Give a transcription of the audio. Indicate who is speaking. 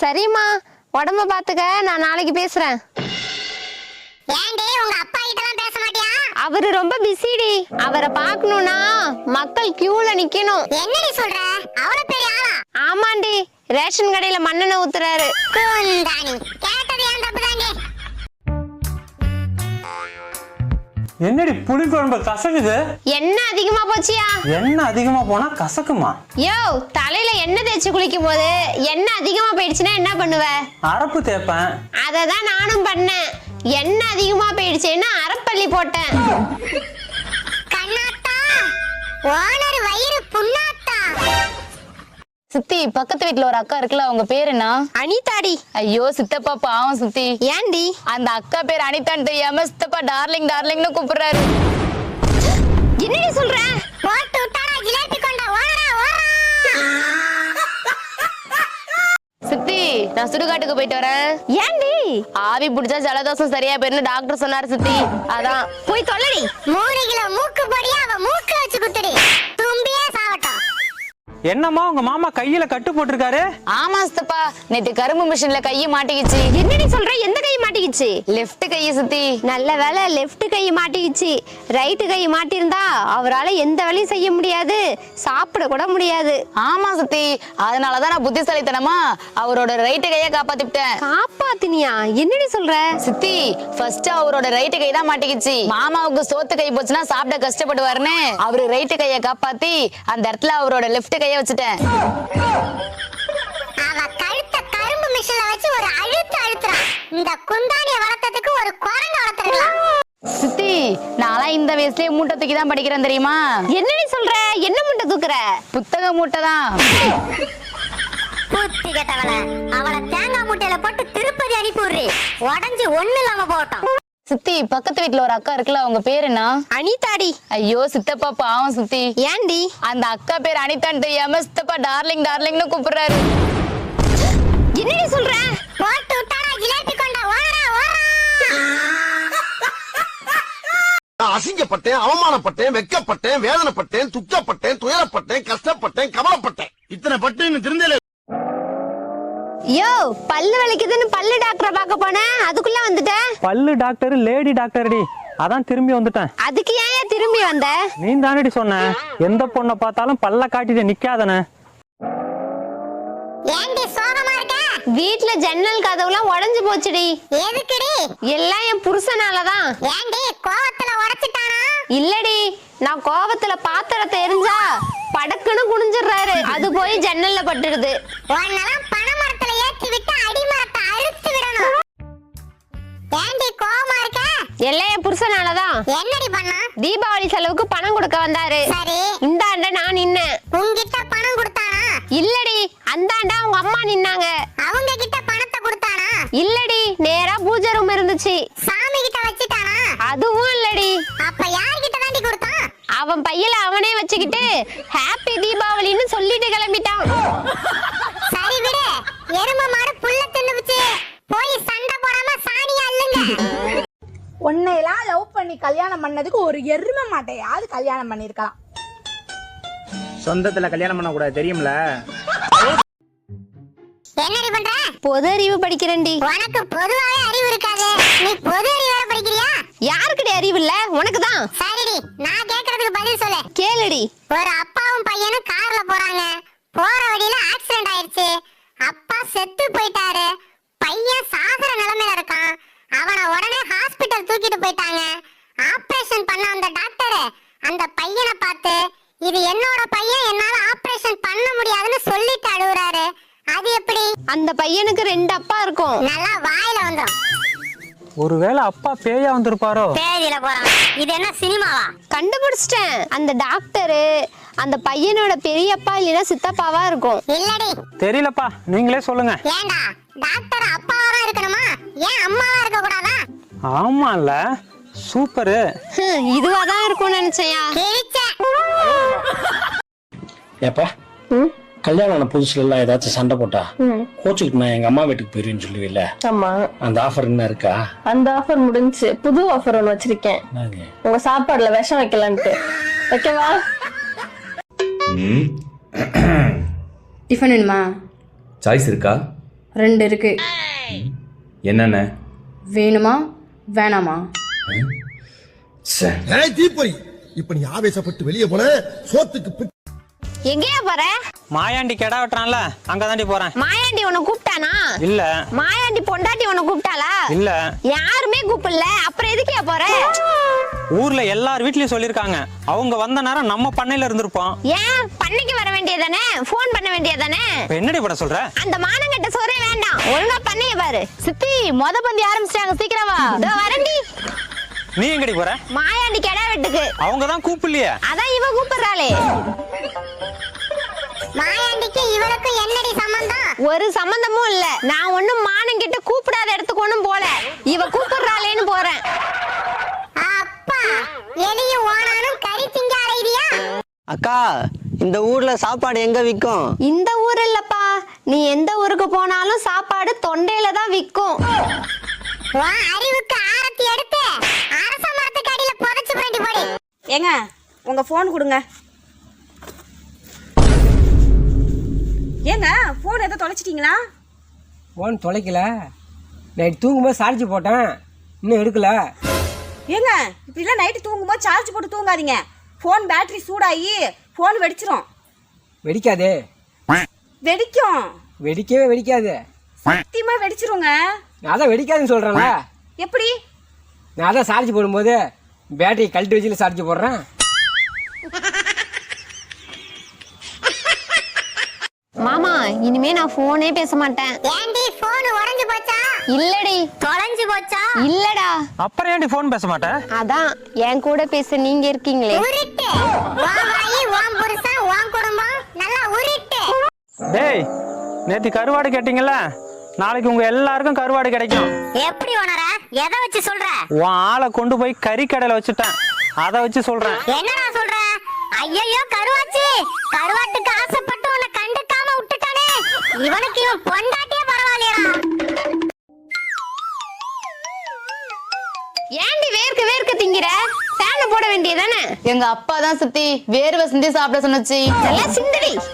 Speaker 1: சரிம்மா, உடம்ப பாத்துக்க, நான் நாளைக்கு பேசுறேன்.
Speaker 2: ஏண்டி உங்க அப்பா கிட்டலாம் பேச மாட்டியா?
Speaker 1: அவரு ரொம்ப பிஸிடி. அவரை பார்க்கணும்னா மக்கள் கியூல நிக்கணும்.
Speaker 2: என்னடி சொல்ற? அவ்வளவு பெரிய ஆளா?
Speaker 1: ஆமாண்டி, ரேஷன் கடையில மண்ணெண்ணெய் ஊத்துறாரு.
Speaker 2: குந்தாணி, கேட்டது ஏன் தப்புதாண்டி.
Speaker 3: என்னடி புளி குழம்பு கசக்குது?
Speaker 1: எண்ணெய் அதிகமா போச்சியா?
Speaker 3: எண்ணெய் அதிகமா போனா கசக்குமா?
Speaker 1: யோ, தலையில எண்ணெய் தேய்ச்சி குளிக்கும் போது எண்ணெய் அதிகமா போயிடுச்சுன்னா என்ன பண்ணுவ?
Speaker 3: அரப்பு தேய்ப்பேன்.
Speaker 1: அததான் நானும் பண்ணேன். எண்ணெய் அதிகமா போயிடுச்சுன்னா அரப்பள்ளி போட்டேன்.
Speaker 2: கண்ணாத்தா, ஓனர் வயிறு புண்ணாத்தா.
Speaker 4: சித்தி, பக்கத்து வீட்டுல ஒரு அக்கா இருக்குல்ல, அவங்க பேர் என்ன?
Speaker 1: அனிதாடி.
Speaker 4: ஐயோ சித்தப்பா பாவம் சித்தி.
Speaker 1: ஏண்டி?
Speaker 4: அந்த அக்கா பேர் அனிதான்னு தெரியாம சித்தப்பா டார்லிங் டார்லிங்னு கூப்பிடுறாரு.
Speaker 1: என்னடி சொல்ற?
Speaker 2: போட்டு விட்டாடா ஜிலேபி கொண்ட, ஓடா ஓடா.
Speaker 4: சித்தி, நான் சுடுகாட்டுக்கு போயிட்டு வரேன்.
Speaker 1: ஏண்டி?
Speaker 4: ஆவி பிடிச்சா ஜலதோஷம் சரியா போயிருன்னு டாக்டர் சொன்னாரு சித்தி. அதான்
Speaker 1: போய் தொல்லடி.
Speaker 2: 3 கிலோ மூக்கு பொடியா அவ மூக்குல வச்சு குத்துடி, தும்பியே சாவட்டும்.
Speaker 3: என்னம்மா உங்க மாமா கையில கட்டு போட்டிருக்காரு?
Speaker 4: ஆமா சித்தப்பா, நேத்து கரும்பு மிஷின்ல கையை மாட்டிக்கிச்சு.
Speaker 1: என்னடி சொல்ற? எந்த கை மாட்டிக்கிச்சு?
Speaker 4: லெஃப்ட் கை சித்தி.
Speaker 1: நல்ல வேலை லெஃப்ட் கை மாட்டிக்கிச்சு. ரைட்டு கை மாட்டிருந்தா அவரால எந்த வேலையும் செய்ய முடியாது, சாப்பிட கூட முடியாது.
Speaker 4: ஆமா சித்தி, அதனாலதான் நான் புத்திசாலித்தனமா அவரோட ரைட்டு கையை காப்பாத்திட்டேன்.
Speaker 1: காப்பாத்தினியா? என்னடி சொல்ற?
Speaker 4: சித்தி, ஃபர்ஸ்ட் அவரோட ரைட்டு கை தான் மாட்டிக்கிச்சு. மாமாவுக்கு சோத்து கை போச்சுன்னா சாப்பிட கஷ்டப்படுவாருன்னு அவரு ரைட்டு கையை காப்பாத்தி அந்த இடத்துல அவரோட லெஃப்ட் கையை வச்சுட்டேன்.
Speaker 2: அவ கழுத்த கரும்பு மிஷின்ல வச்சு ஒரு அழுத்து அழுத்துறான். இந்த குந்தாணிய வளர்த்ததுக்கு ஒரு குரங்கு வளர்த்துறலாம்.
Speaker 4: சித்தி, நான்லாம் இந்த வயசுலயே மூட்டை தூக்கி தான் படிக்கிறேன் தெரியுமா?
Speaker 1: என்னடி சொல்ற? என்ன மூட்டை தூக்குற?
Speaker 4: புத்தக மூட்டை தான்.
Speaker 2: பூத்தி கட்டவள, அவளை தேங்காய் மூட்டையில போட்டு திருப்பதி அனுப்பி விடுறி, உடஞ்சி ஒண்ணு இல்லாம போட்டோம்.
Speaker 4: சித்தி, பக்கத்து வீட்டுல ஒரு அக்கா இருக்குல்ல, அவங்க பேர் என்ன?
Speaker 1: அனிதாடி.
Speaker 4: ஐயோ சித்தப்பா பாவம் சித்தி.
Speaker 1: ஏண்டி?
Speaker 4: அந்த அக்கா பேர் அனிதான்னு தெரியாம சித்தப்பா டார்லிங் டார்லிங்னு கூப்பிடுறாரு.
Speaker 1: என்னடி சொல்ற?
Speaker 2: போட்டு விட்டாடா ஜிலேபி கொண்ட, ஓடா ஓடா.
Speaker 5: அசிங்கப்பட்டேன், அவமானப்பட்டேன், வெக்கப்பட்டேன், வேதனைப்பட்டேன், துக்கப்பட்டேன், துயரப்பட்டேன், கஷ்டப்பட்டேன், கவலைப்பட்டேன். இத்தனை பட்டு திருந்தல.
Speaker 1: யோ, பல்லு வலிக்குதுன்னு பல்லு டாக்டரை பார்க்க போனேன், அதுக்குள்ள வந்துட்ட.
Speaker 3: பல்லு டாக்டர் லேடி டாக்டர்டி, அதான் திரும்பி வந்துட்டேன்.
Speaker 1: அதுக்கு ஏன் திரும்பி வந்த?
Speaker 3: நீ தானடி சொன்ன எந்த பொண்ணை பார்த்தாலும் பல்ல காட்டிட்டு நிக்காதன.
Speaker 2: ஏண்டி சோகமா இருக்க?
Speaker 1: வீட்டுல ஜன்னல் கதவுலாம் உடைஞ்சு போச்சுடி.
Speaker 2: எதுக்குடி?
Speaker 1: எல்லாம் என் புருஷனாலதான்.
Speaker 2: ஏண்டி கோவத்துல உடைச்சிட்டானா?
Speaker 1: இல்லடி, நான் கோவத்துல பாத்திரத்தை எரிஞ்சா படக்குன்னு குனிஞ்சிடுறாரு, அது போய் ஜன்னல்ல பட்டுடுது.
Speaker 2: உன்னெல்லாம் பனைமரத்துல ஏற்றி விட்டு அடிமரத்தை அழுத்து விடணும். ஏண்டி கோவமா இருக்க?
Speaker 1: எல்லாம் என் புருஷனாலதான்.
Speaker 2: என்னடி பண்ணா?
Speaker 1: தீபாவளி செலவுக்கு பணம் கொடுக்க வந்தாரு.
Speaker 2: சரி,
Speaker 1: இந்தாண்ட நான் நின்னேன்.
Speaker 2: உன்கிட்ட பணம் கொடுத்தானா?
Speaker 1: இல்லடி, அந்தாண்டா அவங்க அம்மா நின்னாங்க.
Speaker 2: அவங்க கிட்ட பணத்தை கொடுத்தானா?
Speaker 1: இல்லடி, நேரா பூஜை ரூம் இருந்துச்சு.
Speaker 2: சாமி கிட்ட வச்சிட்டானா?
Speaker 1: அதுவும் இல்லடி.
Speaker 2: அப்ப யார்கிட்ட தாண்டி கொடுத்தான்?
Speaker 1: அவன் பையில அவனே வச்சுக்கிட்டு ஹாப்பி தீபாவளின்னு சொல்லிட்டு கிளம்பிட்டான்.
Speaker 2: சரி விடு, எரும மாடு புல்ல தின்னுச்சு, போய் சண்டை போடாம சாணியா இல்லங்க.
Speaker 6: உன்னையெல்லாம் லவ் பண்ணி கல்யாணம் பண்ணதுக்கு ஒரு எருமை மாட்டையாவது கல்யாணம் பண்ணிருக்கலாம்.
Speaker 7: சொந்தத்துல கல்யாணம் பண்ண கூடாது தெரியும்ல.
Speaker 2: என்னடி பண்ற?
Speaker 1: பொது அறிவு படிக்கிறேன்டி.
Speaker 2: உனக்கு பொதுவாவே அறிவு இருக்காது, நீ பொது அறிவு வேற படிக்கிறியா?
Speaker 1: யாருக்கிட்ட அறிவு இல்ல? உனக்குதான்.
Speaker 2: சரிடி, நான் கேக்குறதுக்கு பதில் சொல்லு.
Speaker 1: கேளுடி.
Speaker 2: ஒரு அப்பாவும் பையனும் கார்ல போறாங்க. போற வழியில ஆக்சிடென்ட் ஆயிருச்சு. அப்பா செத்து போயிட்டாரு. பையன் சாகர நிலைமையில இருக்கான். அவனை உடனே ஹாஸ்பிட்டல் தூக்கிட்டு போயிட்டாங்க. ஆபரேஷன் பண்ண அந்த டாக்டர் அந்த பையனை பார்த்து, இது என்னோட பையன், என்னால ஆபரேஷன் பண்ண முடியாதுன்னு சொல்லிட்டு அழுகுறாரு. அது எப்படி?
Speaker 1: அந்த பையனுக்கு 2 அப்பா இருக்கும்.
Speaker 2: நல்லா வாயில வந்துரும்.
Speaker 3: ஒருவேளை அப்பா பேயா வந்திருப்பாரோ?
Speaker 2: பேதியில போறான். இது என்ன சினிமாவா?
Speaker 1: கண்டுபிடிச்சிட்டேன். அந்த டாக்டரு அந்த பையனோட பெரியப்பா இல்லைன்னா சித்தப்பாவா இருக்கும்.
Speaker 2: இல்லடி.
Speaker 3: தெரியலப்பா, நீங்களே சொல்லுங்க.
Speaker 2: ஏண்டா, டாக்டர் அப்பாவா தான் இருக்கணுமா? ஏன் அம்மாவா இருக்க கூடாதா?
Speaker 3: ஆமால, சூப்பரு.
Speaker 1: இதுவாதான் இருக்கும்னு நினைச்சையா?
Speaker 8: ஏப்பா, கல்யாணம் ஆன புதுசுல எல்லாம் ஏதாச்சும் சண்டை போட்டா கோச்சுக்கு நான் எங்க அம்மா வீட்டுக்கு போயிருவேன்னு சொல்லுவீல்ல?
Speaker 9: ஆமா.
Speaker 8: அந்த ஆஃபர் என்ன இருக்கா?
Speaker 9: அந்த ஆஃபர் முடிஞ்சு புது ஆஃபர் ஒண்ணு வச்சிருக்கேன். உங்க சாப்பாடுல விஷம் வைக்கலான்ட்டு. வைக்கவா?
Speaker 10: டிஃபன் வேணுமா?
Speaker 11: சாய்ஸ் இருக்கா?
Speaker 7: 2 இருக்கு.
Speaker 10: என்னென்ன
Speaker 7: வேணுமா வேணாமா?
Speaker 5: ஏய் தீப்பொறி, இப்ப நீ ஆவேசப்பட்டு வெளியே போன சோத்துக்கு
Speaker 1: எங்கேயா போற?
Speaker 3: மாயாண்டி கெடா வெட்டுறான்ல அங்கதாண்டி போறேன்.
Speaker 1: மாயாண்டி உன்னை கூப்பிட்டானா?
Speaker 3: இல்ல.
Speaker 1: மாயாண்டி பொண்டாட்டி உன்னை கூப்பிட்டாளா?
Speaker 3: இல்ல.
Speaker 1: யாருமே கூப்பிடல, அப்புறம் எதுக்கே போற?
Speaker 3: ஊர்ல எல்லார் வீட்லயும் சொல்லிருக்காங்க, அவங்க வந்த நேரம் நம்ம பண்ணையில இருந்திருப்போம்.
Speaker 1: ஏன் பண்ணைக்கு வர வேண்டியதானே? போன் பண்ண வேண்டியதானே?
Speaker 3: இப்ப என்னடி பண்ண சொல்ற?
Speaker 1: அந்த மானங்கட்ட சோறே வேண்டாம், ஒழுங்கா பண்ணைய பாரு.
Speaker 4: சித்தி மொத பந்தி ஆரம்பிச்சிட்டாங்க, சீக்கிரம் வா.
Speaker 1: இதோ வரண்டி.
Speaker 3: நீ எங்கடி போற?
Speaker 1: மாயாண்டி கெடா வெட்டுக்கு.
Speaker 3: அவங்க தான் கூப்பிடலையே.
Speaker 1: அதான் இவ கூப்பிடுறாளே.
Speaker 2: மாயாண்டிக்கு இவளுக்கு என்னடி சம்பந்தம்?
Speaker 1: ஒரு சம்பந்தமும் இல்ல. நான் ஒண்ணும் மானங்கிட்ட கூப்பிடாத இடத்துக்கு ஒண்ணும் போல, இவ கூப்பிடுறாளேன்னு போறேன்.
Speaker 2: அப்பா, எலியும் ஓனானும் கறி திங்க அலைதியா?
Speaker 11: அக்கா, இந்த ஊர்ல சாப்பாடு எங்க விக்கும்?
Speaker 1: இந்த ஊர் இல்லப்பா, நீ எந்த ஊருக்கு போனாலும் சாப்பாடு தொண்டையில தான் விக்கும்.
Speaker 2: உன் அறிவுக்கு ஆரத்தி எடுத்து அரச மரத்துக்கு அடியில புதைச்சு புரண்டி போடி.
Speaker 6: ஏங்க உங்க போன் கொடுங்க. ஏங்க போன் எதை தொலைச்சிட்டீங்களா?
Speaker 11: போன் தொலைக்கல, நைட் தூங்கும்போது சார்ஜ் போட்டேன், இன்னும் எடுக்கல.
Speaker 6: ஏங்க இப்படிலாம் நைட்டு தூங்கும்போது சார்ஜ் போட்டு தூங்காதீங்க. போன் பேட்டரி சூடாகி போன் வெடிச்சிரும்.
Speaker 11: வெடிக்காதே.
Speaker 6: வெடிக்கும்.
Speaker 11: வெடிக்கவே வெடிக்காது.
Speaker 6: சத்தியமா வெடிச்சிருங்க.
Speaker 11: நான் அதான் வெடிக்காதுன்னு சொல்றேன்ல.
Speaker 6: எப்படி?
Speaker 11: நான் அதான் சார்ஜ் போடும்போது பேட்டரி கழட்டி வச்சுல சார்ஜ் போடுறேன்.
Speaker 1: மாமா, இனிமே நான் போனே பேச மாட்டேன்.
Speaker 2: ஏண்டி போன் உடைஞ்சு போச்சா?
Speaker 1: இல்லடி.
Speaker 2: தொலைஞ்சு போச்சா?
Speaker 1: இல்லடா.
Speaker 3: அப்புறம் ஏன்டி போன் பேச மாட்டேன்?
Speaker 1: அதான் என் கூட பேச நீங்க இருக்கீங்களே.
Speaker 2: உருட்டு. உன் வாயி, உன் புருஷன், உன் குடும்பம் நல்லா உருட்டு.
Speaker 3: டேய், நேத்து கருவாடு கேட்டீங்கல்ல, நாளைக்கு உங்க எல்லாருக்கும் கருவாடு கிடைக்கும்.
Speaker 2: எப்படி உணர? எதை வச்சு சொல்ற?
Speaker 3: உன் ஆளை கொண்டு போய் கறிக்கடையில வச்சுட்டேன், அதை வச்சு சொல்றேன்.
Speaker 2: என்னடா சொல்ற? ஐயையோ கருவாச்சி, கருவாட்டுக்கு ஆசைப்பட்டு உன்னை கண்டுக்காம விட்டுட்டானே, இவனுக்கு இவன் பொண்டாட்டியே பரவாயில்லையா?
Speaker 1: ஏண்டி வேர்க்க வேர்க்க திங்கிற? ஃபேன் போட வேண்டியதானே?
Speaker 4: எங்க அப்பா தான் சித்தி வேர்வை சிந்தி சாப்பிட சொன்னச்சு.
Speaker 1: நல்லா சிந்தடி.